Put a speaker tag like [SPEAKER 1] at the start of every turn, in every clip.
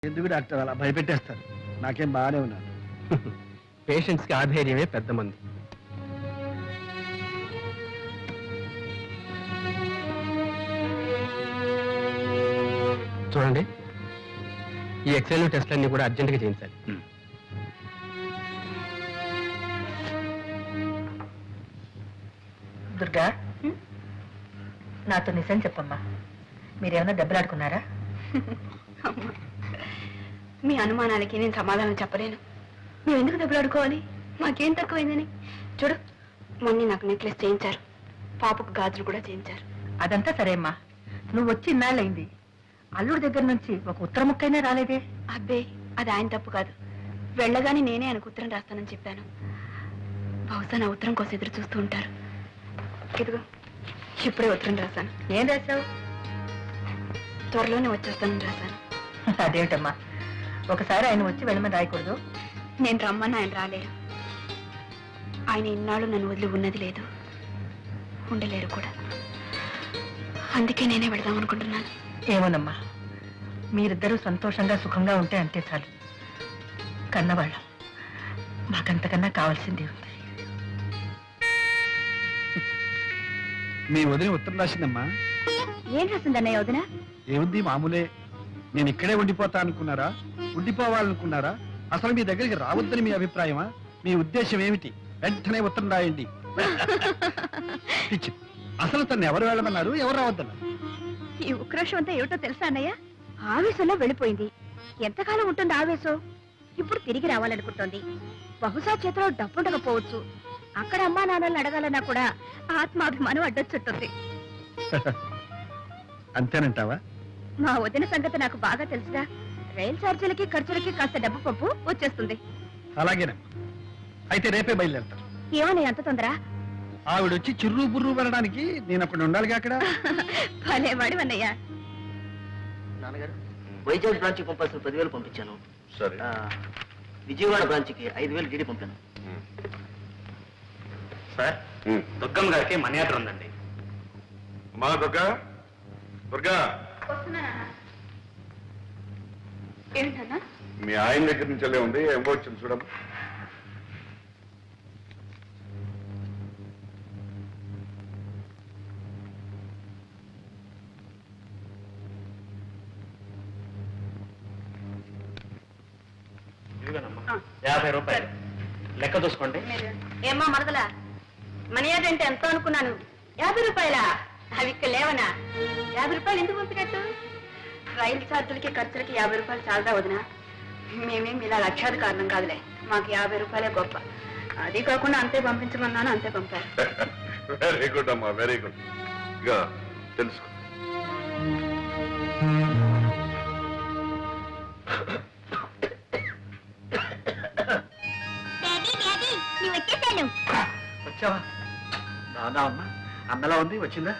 [SPEAKER 1] ఎందుకు డాక్టర్ అలా భయపెట్టేస్తారు? నాకేం బాగానే ఉన్నాను.
[SPEAKER 2] పేషెంట్స్ కి ఆధైర్యమే పెద్ద మంది. చూడండి, ఈ ఎక్స్రే టెస్ట్లన్నీ కూడా అర్జెంటుగా చేయించాలి.
[SPEAKER 3] దుర్గా, నాతో నిజం చెప్పమ్మా, మీరేమన్నా దెబ్బలాడుకున్నారా?
[SPEAKER 4] మీ అనుమానాలకి నేను సమాధానం చెప్పలేను. మేము ఎందుకు దెబ్బలాడుకోవాలి? మాకేం తక్కువైందని. చూడు, మొన్న నాకు నెక్లెస్ చేయించారు, పాపకు గాజులు కూడా చేయించారు.
[SPEAKER 3] అదంతా సరే అమ్మా, నువ్వు వచ్చి ఇన్నాళ్ళైంది, అల్లుడి దగ్గర నుంచి ఒక ఉత్తర ముక్కైనా రాలేదే?
[SPEAKER 4] అబ్బే, అది ఆయన తప్పు కాదు. వెళ్ళగానే నేనే ఆయనకు ఉత్తరం రాస్తానని చెప్పాను. బహుశా నా ఉత్తరం కోసం ఎదురు చూస్తూ ఉంటారు. ఇదిగో, ఇప్పుడే ఉత్తరం రాశాను.
[SPEAKER 3] ఏం రాశావు?
[SPEAKER 4] త్వరలోనే వచ్చేస్తానని రాశాను.
[SPEAKER 3] అదేమిటమ్మా, ఒకసారి ఆయన వచ్చి వెళ్ళమని రాయకూడదు?
[SPEAKER 4] నేను రమ్మని ఆయన రాలేరు. ఆయన ఇన్నాళ్ళు నన్ను వదిలి ఉన్నది లేదు, ఉండలేరు కూడా. అందుకే నేనే వెళదాం అనుకుంటున్నాను.
[SPEAKER 3] ఏమోనమ్మా, మీరిద్దరూ సంతోషంగా సుఖంగా ఉంటే అంతే చాలు. కన్నవాళ్ళం, మాకంతకన్నా కావాల్సింది ఉంది.
[SPEAKER 1] మీ వదిన ఉత్తరం రాసిందమ్మా.
[SPEAKER 4] ఏం రాసిందన్నయ్య వదిన?
[SPEAKER 1] ఏముంది, మామూలే. నేను ఇక్కడే ఉండిపోతా అనుకున్నారా? ఉండిపోవాలనుకున్నారా? అసలు మీ దగ్గరికి రావద్దని మీ అభిప్రాయమా? మీ ఉద్దేశం ఏమిటి? వెంటనే ఉత్తరం రాయండి. పిచ్చి. అసలు తను ఎవరు వెళ్ళమన్నారు, ఎవరు రావద్దన్నారు?
[SPEAKER 4] ఈ ఉక్రోషం అంతా ఏమిటో తెలుసా అన్నయ్య? ఆవేశంలో వెళ్ళిపోయింది. ఎంతకాలం ఉంటుంది ఆవేశం? ఇప్పుడు తిరిగి రావాలనుకుంటోంది. బహుశా చేతిలో డబ్బుండకపోవచ్చు. అక్కడ అమ్మా నాన్నల్ని అడగాలన్నా కూడా ఆత్మాభిమానం అడ్డొచ్చుంటుంది.
[SPEAKER 1] అంతేనంటావా?
[SPEAKER 4] మా వదిన సంగతి నాకు బాగా తెలుసుగా. రైలు ఛార్జీలకి ఖర్చులకి కాస్త డబ్బు పప్పు వచ్చేస్తుంది.
[SPEAKER 1] అలాగేనమ్మా, అయితే రేపే బయలుదేరుతాను.
[SPEAKER 4] ఏమని అంత తొందర?
[SPEAKER 1] ఆవిడొచ్చి చిర్రు బుర్రు వెళ్ళడానికి నేను అక్కడ ఉండాలిగా. అక్కడ
[SPEAKER 4] భలేవాడు అన్నయ్య.
[SPEAKER 5] నాన్నగారు, వైజాగ్ బ్రాంచ్కి పంపాల్సిన 10,000 పంపించాను.
[SPEAKER 6] సరే.
[SPEAKER 5] విజయవాడ బ్రాంచ్కి 5,000 డీడీ పంపాను.
[SPEAKER 2] సార్, దుర్గమ్మ గారికి మనీ ఆర్డర్ ఉందండి.
[SPEAKER 6] మా దుర్గా, దుర్గా,
[SPEAKER 4] ఏంటన్నా?
[SPEAKER 6] మీ ఆయన దగ్గర నుంచి వెళ్ళే ఉంది. ఏం వచ్చింది చూడమ్మా.
[SPEAKER 2] ఇదిగోనమ్మా, 50 రూపాయలు లెక్క చూసుకోండి.
[SPEAKER 4] ఏమ్మా మరదలా, మనీ ఆర్డర్ అంటే ఎంతో అనుకున్నాను. 50 రూపాయలా? అవి ఇక్కడ లేవనా? 50 రూపాయలు ఎందుకు పంపినట్టు? రైలు ఛార్జీలకి ఖర్చులకి 50 రూపాయలు చాలదా వదినా? మేమేం ఇలా లక్షాది కారణం కాదులే. మాకు 50 రూపాయలే గొప్ప. అది కాకుండా అంతే పంపించమన్నాను, అంతే పంపారు.
[SPEAKER 6] వెరీ గుడ్ అమ్మా, వెరీ గుడ్. ఇక తెలుసుకో.
[SPEAKER 1] వచ్చావా? రాదా అమ్మా? అన్నలా ఉంది, వచ్చిందా?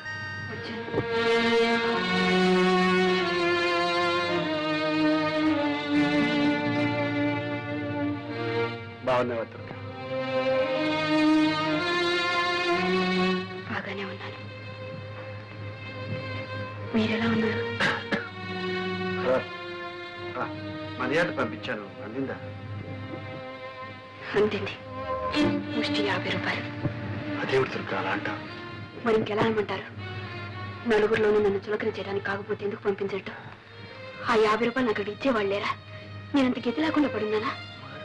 [SPEAKER 1] బాగున్నావా దుర్గా?
[SPEAKER 4] బాగానే ఉన్నాను. మీరెలా ఉన్నారు?
[SPEAKER 1] మర్యాద పంపించాను, అందిందా?
[SPEAKER 4] అందింది. ముష్టి 50 రూపాయలు.
[SPEAKER 1] అదేమిటి దుర్గా అలా అంటావు?
[SPEAKER 4] మరి ఇంకెలా అనమంటారు? నలుగురిలోనూ నన్ను చులకన చేయడానికి కాకపోతే ఎందుకు పంపించట్టు? ఆ 50 రూపాయలు నాకు అక్కడ ఇచ్చేవాళ్ళేరా? నేనంత గతి లేకుండా పడున్నానా?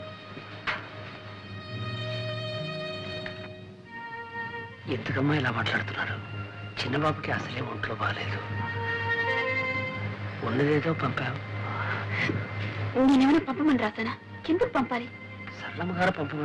[SPEAKER 3] ఎందుకమ్మా ఇలా మాట్లాడుతున్నారు? చిన్నబాబుకి అసలే ఒంట్లో బాగాలేదు, ఉన్నదేదో పంపావు.
[SPEAKER 4] నేనేమైనా పంపమని రాసానా? ఎందుకు పంపాలి?
[SPEAKER 3] సరళమ్మ గారు పంపమని